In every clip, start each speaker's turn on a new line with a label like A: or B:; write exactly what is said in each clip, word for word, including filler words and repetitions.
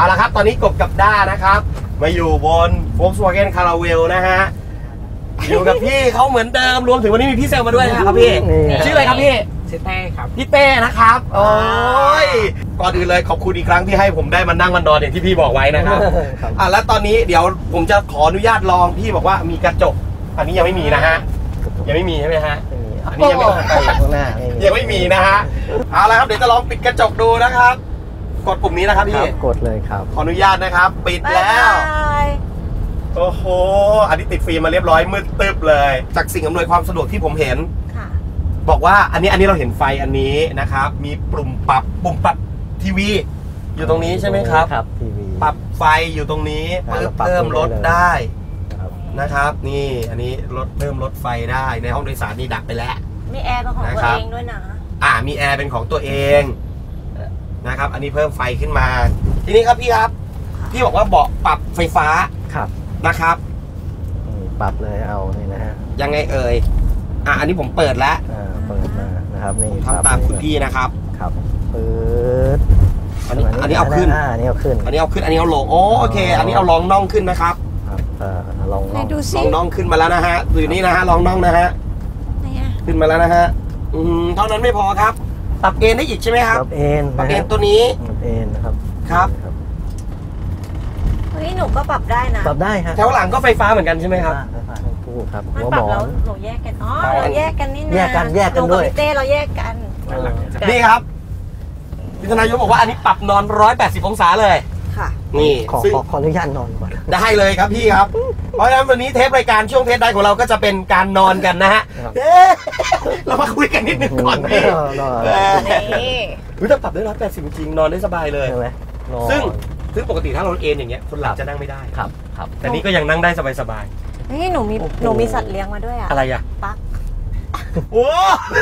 A: เอาละครับตอนนี้กบกับด้านะครับมาอยู่บน Volkswagen Caravelle นะฮะอยู่กับพี่เขาเหมือนเดิมรวมถึงวันนี้มีพี่เซลมาด้วยนะครับพี่ชื่ออะไรครับพี่
B: ชื่อเต้ครับ
A: พี่เต้นะครับโอ้ยก่อนอื่นเลยขอบคุณอีกครั้งที่ให้ผมได้มานั่งมันนอนอย่างที่พี่บอกไว้นะครับอ่ะแล้วตอนนี้เดี๋ยวผมจะขออนุญาตลองพี่บอกว่ามีกระจกอันนี้ยังไม่มีนะฮะยังไม่มีใช่ไหมฮะอันนี้ยังไม่ไปข้างหน้ายังไม่มีนะฮะเอาละครับเดี๋ยวจะลองปิดกระจกดูนะครับกดปุ่มนี้นะครับพี่
C: กดเลยครับ
A: ขออนุญาตนะครับปิดแล้วโอ้โหอันนี้ติดฟิล์มมาเรียบร้อยมืดตึ๊บเลยจากสิ่งอำนวยความสะดวกที่ผมเห็นบอกว่าอันนี้อันนี้เราเห็นไฟอันนี้นะครับมีปุ่มปรับปุ่มปรับทีวีอยู่ตรงนี้ใช่ไหมครับ
C: ครับทีวี
A: ปรับไฟอยู่ตรงนี้เพิ่มเพิ่มลดได้นะครับนี่อันนี้ลดเพิ่มลดไฟได้ในห้องโดยสารนี่ดับไปแล้ว
D: มีแอร์เป็นของตัวเองด้วยนะ
A: อ่ามีแอร์เป็นของตัวเองนะครับอันนี้เพิ่มไฟขึ้นมาทีนี้ครับพี่ครับพี่บอกว่าเบาะปรับไฟฟ้า
C: ครับ
A: นะครับ
C: ปรับเลยเอานี่นะฮะ
A: ยังไงเอ่ยอ่ะอันนี้ผมเปิดแล้ว
C: อ่าเปิดมานะครับนี่
A: ทำตามคุณพี่นะครับ
C: ครับเปิด
A: อันนี้อันนี้เอาขึ้น
C: อันนี้เอาขึ้น
A: อันนี้เอาขึ้นอันนี้เอาลงโอเคอันนี้เอาลองน่องขึ้นนะครับ
C: ครับลองน่อง
A: ลองน่องขึ้นมาแล้วนะฮะอยู่นี่นะฮะลองน่องนะฮะขึ้นมาแล้วนะฮะอืมเท่านั้นไม่พอครับปรับเอนได้อีกใช่ไหมครับ
C: ปรับเอน
A: ปรับเอนตัวนี้
C: ปรับเอนนะครับ
A: ครับ
D: เฮ้ยหนูก็ปรับได้นะ
C: ปรับได้ครับ
A: แถวหลังก็ไฟฟ้าเหมือนกันใช่ไหมครับ
C: ไฟฟ้าทั้งคู่ครับ
D: หัวหมอนหนูแยกกันอ๋อเราแยกกันนี่นะ
C: แยกกันแยกกันด้วย
D: เต้เราแยกกัน
A: นี่ครับพิธนายกบอกว่าอันนี้ปรับนอนหนึ่งร้อยแปดสิบองศาเลย
D: ค่ะ
A: นี่
C: ขอขออนุญาตนอนก่อน
A: ได้เลยครับพี่ครับเพราะฉะนั้นวันนี้เทปรายการช่วงเทปใดของเราก็จะเป็นการนอนกันนะฮะเรามาคุยกันนิดนึงก่อนพี่นี่ถ้าปรับได้หนึ่งร้อยแปดสิบจริงนอนได้สบายเลยซึ่งซึ่งปกติถ้าเราเอนอย่างเงี้ยคนหลับจะนั่งไม่ได้
C: ครับครับ
A: แต่นี้ก็ยังนั่งได้สบาย
D: ๆนี่หนูมีหนูมีสัตว์เลี้ยงมาด้วยอะ
A: อะไรอะ
D: ปั๊ก
A: โอ้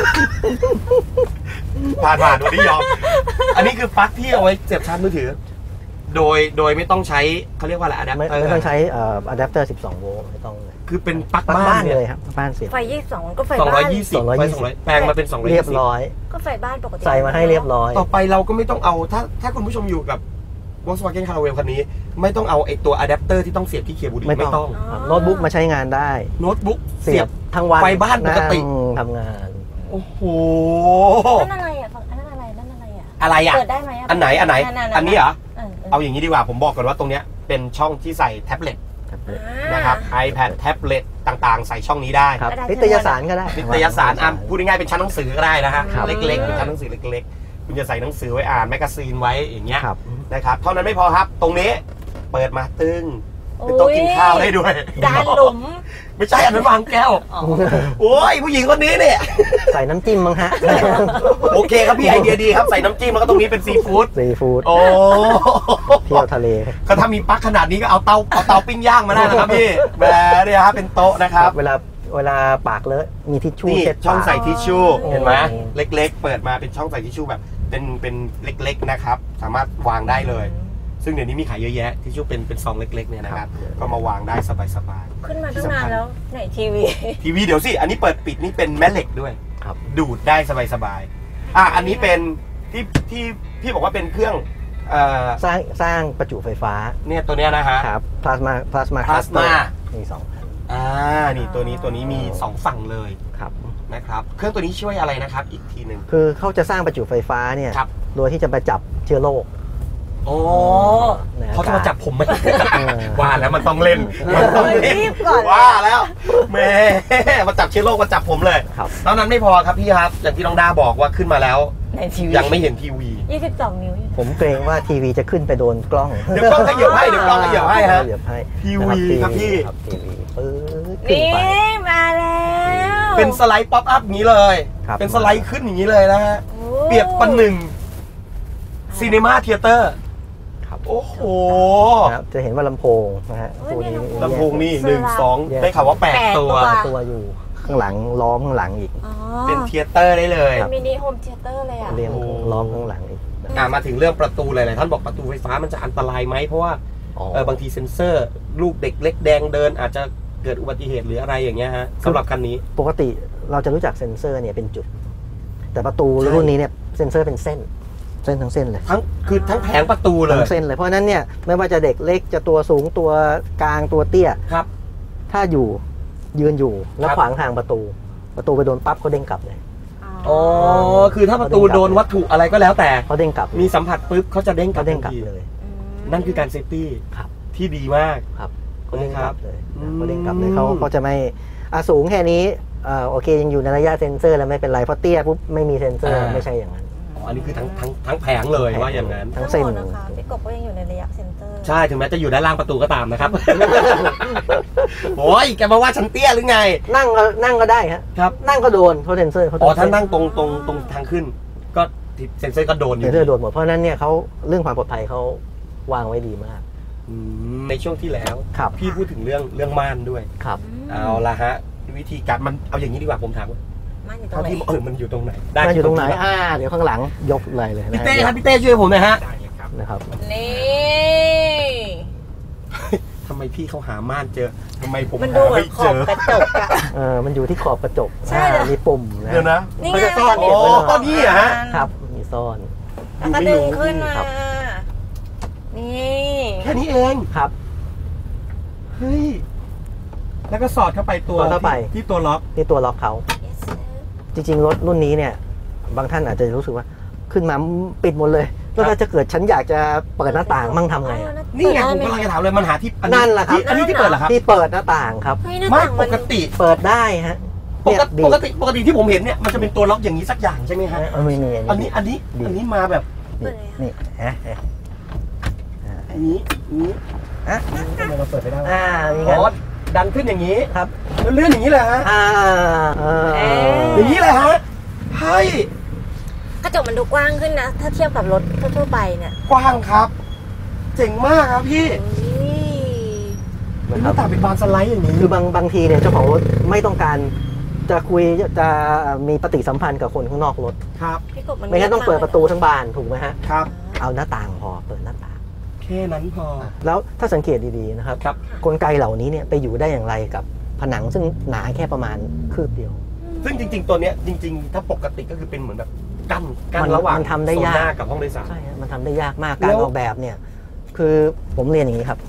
A: ผ่านผ่านวันนี้ยอมอันนี้คือปลั๊กที่เอาไว้เสียบชาร์จมือถือโดยโดยไม่ต้องใช้เขาเรียกว่าอะไรอะแดปเตอร์
C: ไม่ต้องใช้อะแดปเตอร์สิบสองโวลต์ไม่ต้องเลย
A: คือเป็นปลั๊กบ้าน
C: เลยครับบ้านเสียบ
D: ไฟยี่สิบสองก็ไฟ
A: บ้านสองร้อยยี่สิบ
C: ไฟสองร้อย
A: แปลงมาเป็นสองร้อย
C: เรียบร้อย
D: ก็ไฟบ้านปกติ
C: ใส่มาให้เรียบร้อย
A: ต่อไปเราก็ไม่ต้องเอาถ้าถ้าคุณผู้ชมอยู่กับ Volkswagen Caravelle คันนี้ไม่ต้องเอาไอตัวอะแดปเตอร์ที่ต้องเสียบที่เคเบิลไม่ต้อง
C: โน้ตบุ๊กมาใช้งานได้
A: โน้ตบุ๊ก
C: เสียบทั้งวัน
A: ไฟบ้านปกติ
C: ทำงาน
A: โอ้โห
D: นั่นอะไรอ่ะฝั่งนั่นอะไรนั่นอะไรอ่ะ
A: อะไรอ่ะ
D: เปิดได้ไหม
A: อันไหนอันไหนอันนี้เหรอเอาอย่างนี้ดีกว่าผมบอกก่อนว่าตรงเนี้ยเป็นช่องที่ใส่แท็บเล็ตนะครับ iPad แท็บเล็ตต่างๆใส่ช่องนี้ได้
C: นิตยสารก็ได้
A: นิตยสารอ่ะพูดง่ายๆเป็นชั้นหนังสือก็ได้นะฮะเล็กๆเป็นชั้นหนังสือเล็กๆคุณจะใส่หนังสือไว้อ่านแมกกาซีนไว้อย่างเงี้ยนะครับเท่านั้นไม่พอครับตรงนี้เปิดมาตึ้งเป็นโต๊ะกินข้าวได้ด้วย
D: จานหลุม
A: ไม่ใช่อันนั้นวางแก้วโอ้ยผู้หญิงคนนี้เนี่ย
C: ใส่น้ำจิ้มมั้งฮะ
A: โอเคครับพี่ไอเดียดีครับใส่น้ำจิ้มแล้วก็ตรงนี้เป็นซีฟู้ด
C: ซีฟู้ด
A: โอ้
C: เที่ยวทะเล
A: ก็ถ้ามีปลั๊กขนาดนี้ก็เอาเตาเอาเตาปิ้งย่างมาได้นะครับพี่แหมเนี่ยครับเป็นโต๊ะนะครับ
C: เวลาเวลาปากเลอะมีทิชชู่
A: ช่องใส่ทิชชู่เห็นไหมเล็กๆเปิดมาเป็นช่องใส่ทิชชู่แบบเป็นเป็นเล็กๆนะครับสามารถวางได้เลยซึ่งเดี๋ยวนี้มีขายเยอะแยะทิชชู่เป็นเป็นซองเล็กๆเนี่ยนะครับก็มาวางได้สบาย
D: ๆขึ้นมาตั้งนานแล้วไหนทีวี
A: ทีวีเดี๋ยวสิอันนี้เปิดปิดนี่เป็นแม่เหล็กด้วยดูดได้สบายๆอ่ะอันนี้เป็นที่ที่พี่บอกว่าเป็นเครื่อง
C: สร้างสร้างประจุไฟฟ้า
A: เนี่ยตัวเนี้ยนะฮะ
C: ครับพลาสมาพลาสมา
A: พลาสมา
C: มีสอง
A: อ่านี่ตัวนี้ตัวนี้มีสองฝั่งเลย
C: ครับ
A: นะครับเครื่องตัวนี้ช่วยอะไรนะครับอีกทีหนึ่ง
C: คือเขาจะสร้างประจุไฟฟ้าเนี่ยโดยที่จะมาจับเชื้อโรค
A: โอ้เขาจะมาจับผมไหมว่าแล้วมันต้องเล่นมันต้องเล่นว่าแล้วแม่มาจับเชื้อโรคมาจับผมเลยเท่านั้นไม่พอครับพี่ครับอย่างที่น้องดาบอกว่าขึ้นมาแล้วยังไม่เห็นทีวี
D: ยี่สิบสองนิ้ว
C: ผมเกรงว่าทีวีจะขึ้นไปโดนกล้อง
A: เดี๋ยวกล้องขยับให้เดี๋ยวกล้องขยับให้ฮะทีวีครับพี่
D: นี่มาแล้ว
A: เป็นสไลด์ป๊อปอัพอย่างนี้เลยเป็นสไลด์ขึ้นอย่างนี้เลยนะฮะเปรียบประหนึ่งซีนีมาเธียเตอร์โอ้โห
C: จะเห็นว่าลำโพงนะฮะตัวนี้
A: ลำโพงนี่หนึ่งสองได้ข่าวว่าแปดตัว
C: ตัวอยู่ข้างหลังล้อมข้างหลังอีก
A: เป็นเธียเตอร์ได้เลย
D: เป็นมินิโฮมเธียเตอร์เลยอ่ะ
C: เรียงล้อมข้างหลังอีก
A: อ่ามาถึงเรื่องประตูเลยเลยท่านบอกประตูไฟฟ้ามันจะอันตรายไหมเพราะว่าเออบางทีเซ็นเซอร์ลูกเด็กเล็กแดงเดินอาจจะเกิดอุบัติเหตุหรืออะไรอย่างเงี้ยฮะสำหรับคันนี้
C: ปกติเราจะรู้จักเซ็นเซอร์เนี่ยเป็นจุดแต่ประตูรุ่นนี้เนี่ยเซ็นเซอร์เป็นเส้นเส้นทั้งเส้นเลย
A: ทั้งคือทั้งแผงประตูเลย
C: ทั้งเส้นเลยเพราะฉะนั้นเนี่ยไม่ว่าจะเด็กเล็กจะตัวสูงตัวกลางตัวเตี้ย
A: ครับ
C: ถ้าอยู่ยืนอยู่แล้ว
A: ครับ
C: ขวางทางประตู ประตูไปโดนปั๊บเขาเด้งกลับเลย
A: อ๋อคือถ้าประตูโดนวัตถุอะไรก็แล้วแต่
C: เขาเด้งกลับ
A: มีสัมผัสปุ๊บเขาจะเด้งกลั
C: เขา
A: บ
C: เด้งกลับ
A: ทันที
C: เลย
A: นั่นคือการเซฟตี้
C: ครับ
A: ที่ดีมาก
C: ครับเขาเด้งกลับเลย
A: อืม
C: เขาเด้งกลับเลยเขาเขาจะไม่อ่ะสูงแค่นี้เอ่อโอเคยังอยู่ในระยะเซ็นเซอร์แล้วไม่เป็นไรเพราะเตี้ยปุ๊บไม่มีเซ็นเซอร์ไม่ใช่อย่างนั้น
A: อ๋ออันนี้คือทั้งทั้งทั้งแผงเลยว่าอย่างนั้น
C: ทั้งเส้น
D: ทั้งหมดนะคะพี่กบก็ยังอยู่ในระยะเซ็นเตอร์
A: ใช่ถึงแม้จะอยู่ด้านล่างประตูก็ตามนะครับ โอ้ยแกมาว่าฉันเตี้ยหรือไง
C: นั่งก็นั่งก็ได้ฮะ
A: ครับ
C: นั่งก็โดนเพราะเซ็นเซอร์เขา
A: อ๋อถ้านั่งตรงตรงตรงทางขึ้น ก็เซ็นเซอร์ก็โดนอ
C: เซ็
A: ยู่
C: นเซอร์โดนหมดเพราะฉะนั้นเนี่ยเขาเรื่องความปลอดภัยเขาวางไว้ดีมาก
A: อืมในช่วงที่แล้ว
C: ครับ
A: พี่พูดถึงเรื่องเรื่องม่านด้วย
C: ครับ
A: เอาละฮะวิธีการมันเอาอย่างนี้ดีกว่าผมถามว่า
D: มันอยู่ตร
A: เท่าง
D: ไหน
A: ที่เออมันอยู่ตรงไหน
C: มันอยู่ตรงไหน
A: ครับ
C: อ่าเดี๋ยวข้างหลังยกเลยเลย
A: พี่เต้ครับพี่เต้ช่วยผมหน่อยฮะ
C: นะครับ
D: นี่
A: ทำไมพี่เขาหาม่านเจอทำไมผม
D: มันดู
A: หา
D: เหมือ
A: ไม่
D: นข
A: เจ
D: อบ
A: อก
D: ระจกอะ
C: เออมันอยู่ที่ขอบกระจก
D: ใช่เหรอ
C: อ่ามีปุ่มนะ
A: เดี๋ยวนะ
D: นี่
C: เขา
D: ไง
C: จะซ่อน
A: โอ้
C: เก็บไว้หน่อย
A: ตอนนี้เหรอฮะ
C: ครับมีซ่อน
D: แล้วก็ดึงขึ้นมา
C: ครับ
D: นี่
A: แค่นี้เอง
C: ครับ
A: เฮ้ยแล้วก็สอดเข้าไปตัว
C: สอดเข้าไป
A: ที่ที่ตัวล็อก
C: นี่ตัวล็อกเขาจริงๆรถรุ่นนี้เนี่ย บางท่านอาจจะรู้สึกว่าขึ้นมาปิดหมดเลยแล้วถ้าจะเกิดฉันอยากจะเปิดหน้าต่างมั่งทำไงอะ
A: นี่ไงผมกำลังจะถามเลยมันหาที่อั
C: นั่นแหละครับ
A: ที่อันนี้ที่เปิดเหรอครับ
C: ที่เปิดหน้าต่างครับ
D: เฮ้ยหน้า
A: ไม่
D: ต่าง
A: ป
D: มัน
A: กติ
C: เปิดได้ฮะ
A: ป
C: เนี่ย
A: กติ
C: ดี
A: ปกติปกติที่ผมเห็นเนี่ยมันจะเป็นตัวล็อกอย่างนี้สักอย่างใช่ไหมฮะ
C: เออไม่มี
A: อันนี้อันนี้
C: ดี
A: อันนี้มาแบบ
C: นี่นี่ฮะฮะ
A: อันนี้อันนี้
C: อ่ะ
A: ทำไมเราเปิดไม่ได้วะ
C: อ่ามี
A: อ๋
C: งั้น
A: อดันขึ้นอย่างนี้
C: ครับ
A: แล้วเลื่อนอย่างนี้เลยฮะ
C: อ่าเออ
A: อย่างนี้เลยฮะเฮ้ย
D: กระจกมันดูกว้างขึ้นนะ ถ้าเทียบกับรถทั่วๆไปเนี่ย
A: กว้างครับ เจ๋งมากครับพี่
D: อุ้ย
A: เป็น
C: นะ
A: ห
C: ครั
A: น้า
C: บ
A: ต่างเป็นบานสไลด์อย่างนี้
C: คือบางบางทีเนี่ยเจ้าของรถไม่ต้องการจะคุยจะมีปฏิสัมพันธ์กับคนข้างนอกรถ
A: ครับ
D: พี่กบมัน
C: ไม่งั้นต้องเปิดประตูทั้งบานถูกไหมฮะ
A: ครับ
C: เอาหน้าต่างพอเปิดหน้าต่าง
A: แค่นั้นพอ
C: แล้วถ้าสังเกตดีๆนะครับ
A: ครับ
C: กลไกเหล่านี้เนี่ยไปอยู่ได้อย่างไรกับผนังซึ่งหนาแค่ประมาณคืบเดียว
A: ซึ่งจริง ๆ ตัวเนี้ยจริง ๆ ถ้าปกติก็คือเป็นเหมือนแบบกั้นกั้
C: มัน น
A: ระหว่าง
C: มันทำได้ยาก
A: โซนหน้ากับห้องโดยสาร
C: ใช่ฮะมันทำได้ยากมาก
A: แล้
C: การ
A: ว
C: ออกแบบเนี่ย คือผมเรียนอย่างนี้ครับ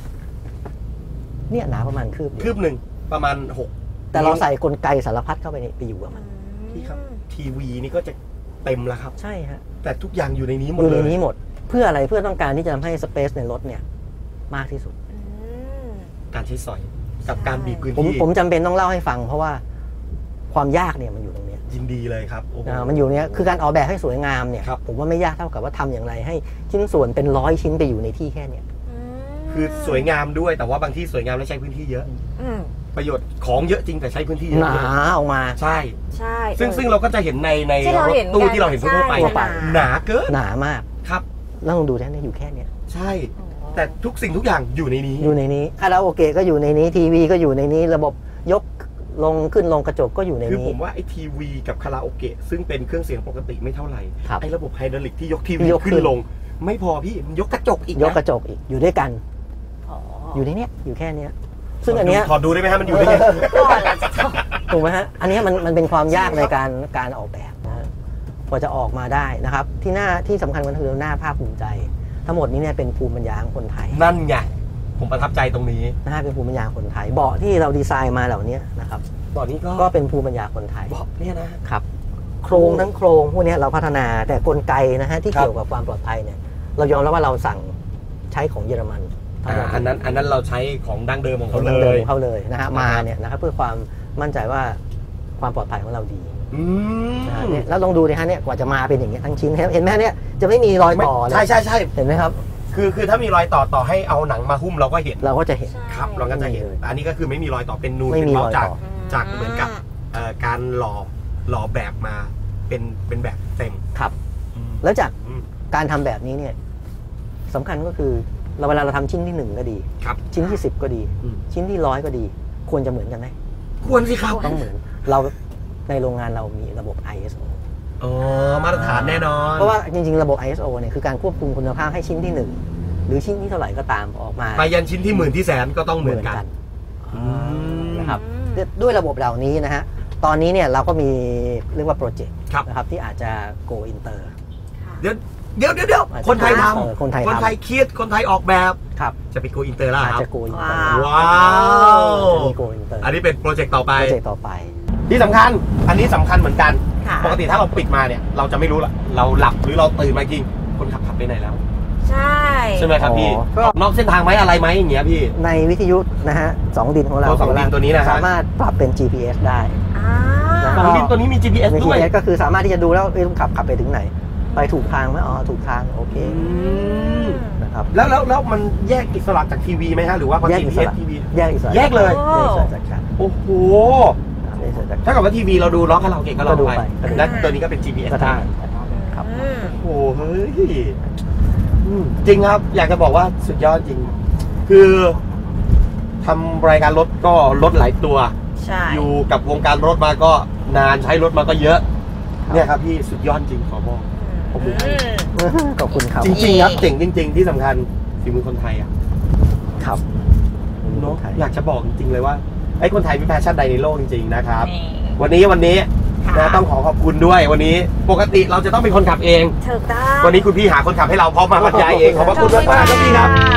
C: เนี่ยหนาประมาณคืบเดี
A: คื
C: ยว
A: บหนึ่งประมาณหก
C: แต่เราใส่กลไกสารพัดเข้าไปในไปอยู่กับมัน
A: พี่ครับทีวีนี่ก็จะเต็มแล้วครับ
C: ใช่ฮะ
A: แต่ทุกอย่างอยู่ในนี้หม
C: อ
A: ด
C: ยู่
A: เล
C: ใน
A: ย
C: นี้หมด เพื่ออะไรเพื่อต้องการที่จะทำให้สเปซในรถเนี่ยมากที่สุด
D: อืม
A: การใช้สอยกับการบีบพื้น
C: ผม
A: ที่
C: ผมจำเป็นต้องเล่าให้ฟัง เพราะว่าความยากเนี่ยมันอยู่ตรงเนี้ย
A: ยินดีเลยครับโอ้โห
C: อ่ามันอยู่เนี้ยคือการออกแบบให้สวยงามเนี่ย
A: ครับ
C: ผมว่าไม่ยากเท่ากับว่าทำอย่างไรให้ชิ้นส่วนเป็นร้อยชิ้นไปอยู่ในที่แค่เนี้ย
A: คือสวยงามด้วยแต่ว่าบางที่สวยงามและใช้พื้นที่เยอะ
D: อืม
A: ประโยชน์ของเยอะจริงแต่ใช้พื้นที่เย
C: ห
A: อะ
C: นาออกมา
A: ใช่
D: ใช่
A: ซึ่งซึ่งเราก็จะเห็นในใน
D: ที่เรา
A: รถ
D: เห็น
A: ตู้
D: กัน
A: ที่เราเห็นทั่วไป
D: ใช่
C: ทั่วไป
A: หนาเกิน
C: หนามาก
A: ครับ
C: แล้วลองดูแค่นี้อยู่แค่เนี้ย
A: ใช่ แต่ทุกสิ่งทุกอย่างอยู่ในนี้
C: อยู่ในนี้คาราโอเกะก็อยู่ในนี้ทีวีก็อยู่ในนี้ ระบบยกลงขึ้นลงกระจกก็อยู่ใน
A: คือ
C: นี้
A: ผมว่าไอ้ทีวีกับคาราโอเกะซึ่งเป็นเครื่องเสียงปกติไม่เท่าไหร่
C: ครับ
A: ไอ้ระบบไฮดรอลิกที่ยกทีวี
C: ยกขึ้
A: ขึ้
C: น
A: นลง ไม่พอพี่มันยกกระจกอีก
C: ยกก
A: นะ
C: ระจกอีกอยู่ด้วยกัน อยู่ในเนี้ยอยู่แค่เนี้ยซึ่งอันเนี้ย
A: ถอดดูได้ไหมฮะมันอยู่ได้ไง
D: ก่อนละจะจบ
C: ถูกไหมฮะอันเนี้ยมันมันเป็นความยากในการการออกแบบนะฮะกว่าจะออกมาได้นะครับ ที่หน้าที่สำคัญมันคือหน้าภาคภูมิใจ ทั้งหมดนี้เนี่ยเป็นภูมิปัญญาของคนไทย
A: นั่นไงผมประทับใจตรงนี้
C: นะฮะเป็นภูมิปัญญาคนไทยเบาะที่เราดีไซน์มาเหล่านี้นะครับ
A: ตอนนี้ก็
C: ก็เป็นภูมิปัญญาคนไทย
A: บอกเนี่ยนะ
C: ครับโครงทั้งโครงพวกเนี้ยเราพัฒนาแต่กลไกนะฮะที่
A: ครับ
C: เกี่ยวกับความปลอดภัยเนี่ยเรายอมรับว่าเราสั่งใช้ของเยอรมัน
A: อ่าอันนั้นอันนั้นเราใช้ของดั้งเดิมของ
C: เขา
A: เขา
C: เล
A: เลย ย
C: เขาเลยนะฮะมาเนี่ยนะครับเพื่อความมั่นใจว่าความปลอดภัยของเราดี
A: อืม
C: นะฮะเนี่ยแล้วลองดูนะฮะเนี่ยกว่าจะมาเป็นอย่างเงี้ยทั้งชิ้นเห็นไหมเนี่ยจะไม่มีรอยต่อเลย
A: ใช่ใช่ใช่
C: เห็นไหมครับ
A: คือคือถ้ามีรอยต่อต่อให้เอาหนังมาหุ้มเราก็เห็น
C: เราก็จะเห็น
A: ครับเราก็จะเห็นแต่อันนี้ก็คือไม่มีรอยต่อเป็นนูน
C: ไม่
A: เป็น
C: มี
A: เมา
C: รอย
A: จาก
C: ต่อ
A: จากเหมือนกับเอ่อการหล่อหล่อแบบมาเป็นเป็นแบบเต็ม
C: ครับ
A: อืม
C: แล้วจาก
A: อืม
C: การทำแบบนี้เนี่ยสำคัญก็คือเราเวลาเราทำชิ้นที่หนึ่งก็ดี
A: ครับ
C: ชิ้นที่สิบก็ดี
A: อืม
C: ชิ้นที่ร้อยก็ดี ควรจะเหมือนกันไหม
A: ควรสิครับ
C: ต้องเหมือนเราในโรงงานเรามีระบบ ไอ เอส โอ
A: อ๋อมาตรฐานแน่นอน
C: เพราะว่าจริงๆระบบ ไอ เอส โอ เนี่ยคือการควบคุมคุณภาพให้ชิ้นที่หนึ่งหรือชิ้นที่เท่าไหร่ก็ตามออกมา
A: ไปยันชิ้นที่หมื่นที่แสนก็ต้องเหมือนกัน
C: อืมนะครับ
D: อืม
C: ด้วยระบบเหล่านี้นะฮะตอนนี้เนี่ยเราก็มีเรียกว่าโปรเจกต์
A: ครับ
C: นะครับที่อาจจะ go inter
D: ค่ะ
A: เดี๋ยวเดี๋ยวเดี๋ยวเดี๋ยวคนไทยท
C: เออคนไทย
A: ำคน
C: ทำ
A: ไทยคิดคนไทยออกแบบ
C: ครับ
A: จะไปโกอินเตอร์แล้ว
C: อาจ
A: ครับ
C: จะโกอินเตอร์
D: ว้าว
A: ว้าว
C: จะมีโกอินเตอร์
A: อันนี้เป็นโปรเจกต์ต่อไป
C: โปรเจกต์ต่อไป
A: ที่สำคัญอันนี้สำคัญเหมือนกัน
D: ค่ะ
A: ปกติถ้าเราปิดมาเนี่ยเราจะไม่รู้ละเราหลับหรือเราตื่นมาจริงคนขับขับไปไหนแล้ว
D: ใช่
A: ใช่ไหมครับพี่
C: อ๋อก็
A: ออกนอกเส้นทางไหมอะไรไหมอย่างเงี้ยพี่
C: ในวิทยุนะฮะสองดินของเรา
A: ตัวสองดินตัวนี้นะฮะ
C: สามารถปรับเป็น จี พี เอส ได้
D: อ่า
C: นะ
A: สองดินตัวนี้มี จี พี เอส
C: มี
A: ด้วย
C: จี พี เอส ก็คือสามารถที่จะดูแล้วเอ้ยลุงขับขับไปถึงไหน ไปถูกทางไหมอ๋อถูกทางโอเค
A: อืม
C: นะครับ
A: แล้วแล้วแล้วมันแยกอิสระจากทีวีไหมฮะหรือว่าพอ
C: แยก
A: จี
C: อิ
A: พี
C: ส
A: เอส
C: ระ
A: ทีวี
C: แยกอิสระ
A: แยกเลย
C: แยกอิสระจากกัน
A: โอ้โห
C: แยกอิสระจากกัน
A: ถ้ากับว่าทีวีเราดูร้องคาราโอเกะก็ร้อง
C: ก็ดู
A: ไป
C: ไปก็ดู
A: และตัวนี้ก็เป็น จี พี เอส
C: ก็
A: ได้
C: ได้ครับ
D: อืม
A: โอ้โหเฮ้ยอืมจริงครับ อยากจะบอกว่าสุดยอดจริง คือทำรายการรถก็รถหลายตัว
D: ใช่
A: อยู่กับวงการรถมาก็นานใช้รถมาก็เยอะ เนี่ยครับพี่สุดยอดจริงขอบอก ผมดูให้
D: อืม
C: ขอบคุณครับ
A: จริงๆครับเจ๋งจริง ๆ ที่สำคัญฝีมือคนไทยอ่ะ
C: ครับ
A: เนาะอยากจะบอกจริงๆเลยว่าไอ้คนไทยมีแพชชั่นใดในโลกจริงๆนะครับ
D: นี่
A: วันนี้วันนี้
D: ค่ะ
A: นะต้องขอขอบคุณด้วยวันนี้ปกติเราจะต้องเป็นคนขับเอง
D: ถูกต้อง
A: วันนี้คุณพี่หาคนขับให้เราพร้อมมาบรรยายเองขอบพระคุณมากๆครับพี่ครับ